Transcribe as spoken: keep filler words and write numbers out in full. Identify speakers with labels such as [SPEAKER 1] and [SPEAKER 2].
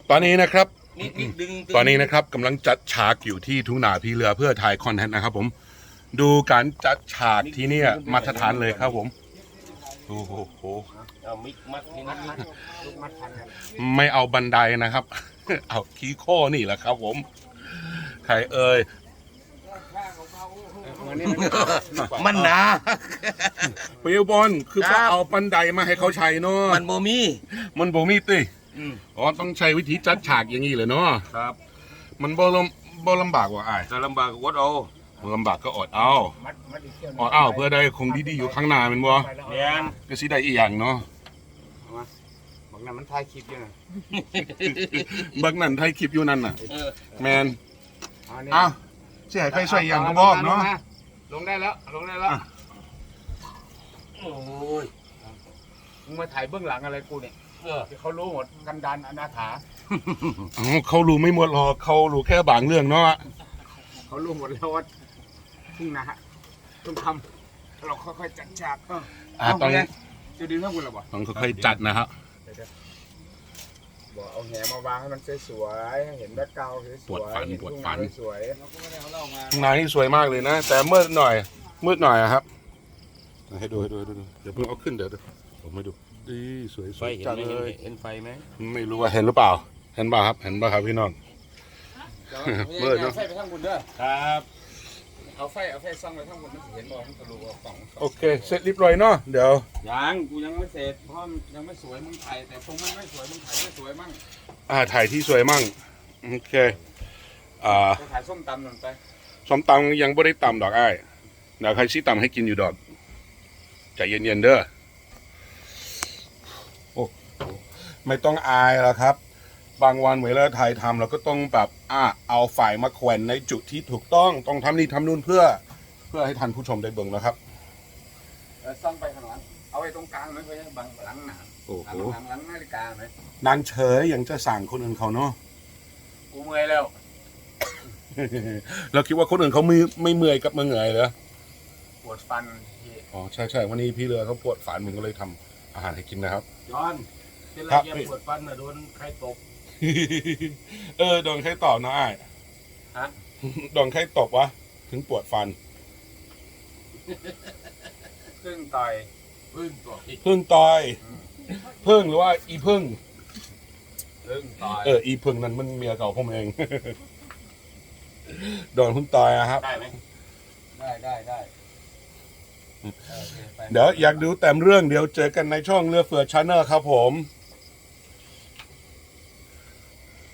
[SPEAKER 1] ตอนนี้นะครับ
[SPEAKER 2] นี่นี่ดึง
[SPEAKER 1] ตอนนี้นะครับกำลังจัดฉากอยู่ที่ทุ่งนาพี่เรือเพื่อถ่ายคอนเทนต์นะครับผมดูการจัดฉากที่เนี่ยมาตรฐานเลยครับผมโอ้โห
[SPEAKER 2] เอามิกมัดให้มัดมัดลูกมัดพันกัน
[SPEAKER 1] ไม่เอาบันไดนะครับ เอาขี้โค้นี่แหละครับผมใครเอ่ย
[SPEAKER 2] มันหนา
[SPEAKER 1] เปียวบอลคือ
[SPEAKER 2] ครั
[SPEAKER 1] ว่า
[SPEAKER 2] บ
[SPEAKER 1] เอาบันไดมาให้เขาใช้เนาะ
[SPEAKER 2] มันโมมี
[SPEAKER 1] มันบ่มีติ
[SPEAKER 2] อืม
[SPEAKER 1] อ๋อต้องใช้วิธีจัดฉากอย่างนี้เลยเนาะ
[SPEAKER 2] ครับ
[SPEAKER 1] มันบ่ลำบ่ลำบากกว่าอ้าย
[SPEAKER 2] จะลำบากวัดเอา
[SPEAKER 1] บ่ลำบากก็อดเอาอดเอาเพื่อได้คงดีๆอยู่ข้างหน้าแมันบ่
[SPEAKER 2] เนียน
[SPEAKER 1] ก็สิได้อีกอย่างเนาะ
[SPEAKER 2] บอกนั้นมันถ่ายคลิปอยู่นะ
[SPEAKER 1] บักนั่นไทยคลิปอยู่นั่นน่ะ
[SPEAKER 2] เออ
[SPEAKER 1] แมนอ้าวเสียใครช่วยอย่างก็บอกเนาะ
[SPEAKER 2] ลงได้แล้วลงได้แล้ว
[SPEAKER 1] อ่ะ
[SPEAKER 2] โอ้ย
[SPEAKER 3] มึงมาถ่ายเบื้องหลังอะไรกูเนี่ย
[SPEAKER 2] เออ
[SPEAKER 3] ที่เขารู้หมดกันดานอนาถา
[SPEAKER 1] อ๋อเขารู้ไม่หมดหรอกเขารู้แค่บางเรื่องเนาะ
[SPEAKER 3] เขารู้หมดแล้วว่าทุ่งนาต้องทำเราค่อยๆจัดฉากเออ
[SPEAKER 1] อ่าต้อง
[SPEAKER 3] จะดึงให้คุณหรอบ่
[SPEAKER 1] ต้องค่อยๆจัดนะครับ
[SPEAKER 3] บอกเอาแหมาวางให้มันสวยๆให้เห็นแบ็คกราวด์สวยๆเห็ทุ่งาสวย
[SPEAKER 1] ทุ่งนานี่สวยมากเลยนะ แต่มืดหน่อย มืดหน่อยอะครับให้ดูให้ดูให้ดูเดี๋ยวเพิ่งเอาขึ้นเดี๋ยวผมให้ดูดีสวย
[SPEAKER 2] ไฟ
[SPEAKER 1] สวย
[SPEAKER 2] เห็น
[SPEAKER 1] จัด
[SPEAKER 2] ไหม
[SPEAKER 1] เลย
[SPEAKER 2] เห็นไฟไหม
[SPEAKER 1] ไม่รู้ว่าเห็นหรือเปล่า เห็นป่ะครับ เห็นป่ะครับพี่น้อง
[SPEAKER 3] ๆ
[SPEAKER 1] เบิดเนอะ
[SPEAKER 3] เอาไฟไปทางคุณเด้อ
[SPEAKER 2] ครับ
[SPEAKER 3] เอาไฟเอาไฟซ่องไปทางคุณมันเห็นบ่มันทะลุเอากล่อง
[SPEAKER 1] โอเค เสร็จเรียบร้อยเนาะเดี๋ยว
[SPEAKER 3] ยังกูยังไม่เสร็จเพราะมันยังไม่สวยมึงถ่ายแต่ตรงมันไม่สวยมึงถ่ายไม่สวยมั่ง
[SPEAKER 1] อ่าถ่ายที่สวยมั่งโอเคอ่า
[SPEAKER 3] จะถ่ายส้มตำหน่อยไป
[SPEAKER 1] ส้มตำยังไม่ได้ตำดอกอ้ายเดี๋ยวใครชี้ตำให้กินอยู่ดอกใจเย็นๆเด้อโอ้ไม่ต้องอายแล้วครับ บางวันเวลาถ่ายทำเราก็ต้องแบบอ่ะเอาฝ่ายมาแขวนในจุดที่ถูกต้องต้องทำนี่ทำนู่นเพื่อ เพื่อให้ทันผู้ชมได้เบิ่งนะครับ
[SPEAKER 3] เออซ่อมไปข้างหลังเอาไว้ตรงกลางไหมเพื่อนบังหลังหนา
[SPEAKER 1] โอ้
[SPEAKER 3] หลั
[SPEAKER 1] โห
[SPEAKER 3] งหลังหลังนาฬิกาไหม
[SPEAKER 1] นางเฉยยังจะสั่งคนอื่นเขาเนาะ
[SPEAKER 3] กูเมื่อยแล้ว
[SPEAKER 1] เราคิดว่าคนอื่นเขาไม่ไม่เมื่อยกับเมื่อยเหรอ
[SPEAKER 3] ปวดฟันที่
[SPEAKER 1] อ๋อใช่ใช่วันนี้พี่เรือเขาปวดฝันมึงก็เลยทำอาหารให้กินนะครับ
[SPEAKER 2] จอนเป็นไร
[SPEAKER 1] ครับ
[SPEAKER 2] แกปวดฟันน่ะโดนใครตบ
[SPEAKER 1] เออโดนใครตอบนะไอ้าย
[SPEAKER 2] ฮะ
[SPEAKER 1] โดนใครตบวะถึงปวดฟัน
[SPEAKER 3] ซึ่งต่อย
[SPEAKER 2] พึ่งตัวอีก
[SPEAKER 1] พึ่งต่อยพึ่งหรือว่าอีพึ่ง
[SPEAKER 3] ซึ่งต่อย
[SPEAKER 1] เอออีพึ่งนั้นมันเมียเก่าผมเอง โดนพึ่งต่อยอะครับ
[SPEAKER 2] ได้ไหม
[SPEAKER 3] ได้ได้ได้
[SPEAKER 1] เดี๋ยวอยากดูแต่มเรื่องเดี๋ยวเจอกันในช่องเรือเฟือชาแนลครับผม